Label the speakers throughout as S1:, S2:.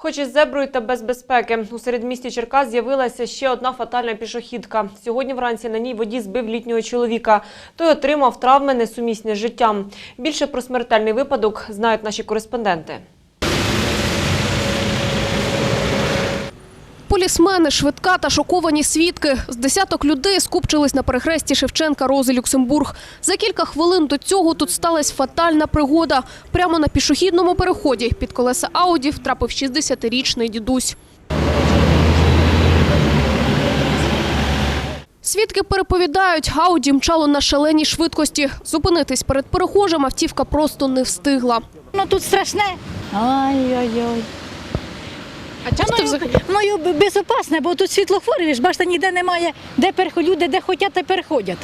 S1: Хоч із зеброю та без безпеки. У середмісті Черкас з'явилася ще одна фатальна пішохідка. Сьогодні вранці на ній водій збив літнього чоловіка. Той отримав травми, несумісні з життям. Більше про смертельний випадок знають наші кореспонденти.
S2: Полісмени, швидка та шоковані свідки. З десяток людей скупчились на перехресті Шевченка-Рози-Люксембург. За кілька хвилин до цього тут сталася фатальна пригода. Прямо на пішохідному переході під колеса Ауді втрапив 60-річний дідусь. Свідки переповідають, Ауді мчало на шаленій швидкості. Зупинитись перед перехожим автівка просто не встигла.
S3: Ну тут страшне. Ай-ой-ой.
S2: А часто взагалі?
S3: Ну, безпечне, бо тут світлофори, ж бачите, ніде немає, де люди, де хочуть, те переходять.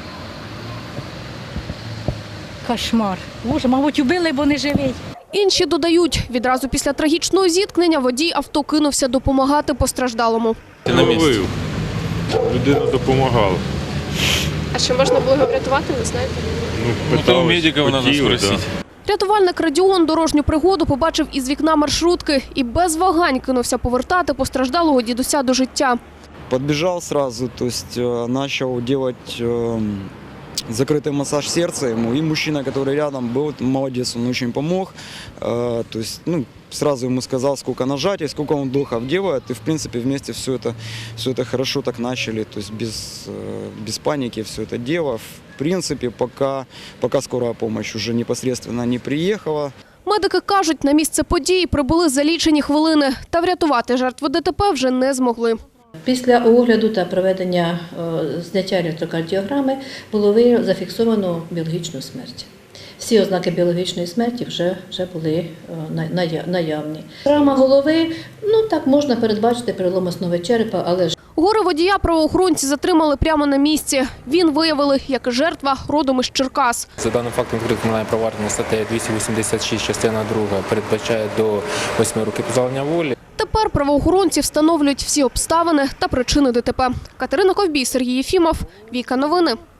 S3: Кошмар. Боже, мабуть, убили, бо не живий.
S2: Інші додають, відразу після трагічного зіткнення водій авто кинувся допомагати постраждалому.
S4: Ловив. Людина допомагала.
S2: А чи можна було його врятувати, не знаєте?
S4: Ну, у медиків треба спросити.
S2: Рятувальник Радіон дорожню пригоду побачив із вікна маршрутки і без вагань кинувся повертати постраждалого дідуся до життя.
S5: Подбежал сразу, то есть начал делать закрытый массаж сердца ему. И мужчина, который рядом был, молодец, он очень помог. То есть, сразу ему сказал, сколько нажатий, сколько он вдохов делает. И, в принципе, вместе все это хорошо так начали. То есть, без паники все это дело. В принципе, пока скорая помощь уже непосредственно не приехала.
S2: Медики кажуть, на місце події прибули за лічені хвилини. Та врятувати жертву ДТП вже не змогли.
S6: Після огляду та проведення зняття електрокардіограми було зафіксовано біологічну смерть. Всі ознаки біологічної смерті вже були наявні. Травма голови, так можна передбачити перелом основи черепа, але ж
S2: Горе водія правоохоронці затримали прямо на місці. Він виявили, як і жертва, родом із Черкас.
S7: За даним фактом відкрите кримінальне провадження статтею 286, частина 2, передбачає до 8 років позбавлення волі.
S2: Тепер правоохоронці встановлюють всі обставини та причини ДТП. Катерина Ковбій, Сергій Єфімов, Віка Новини.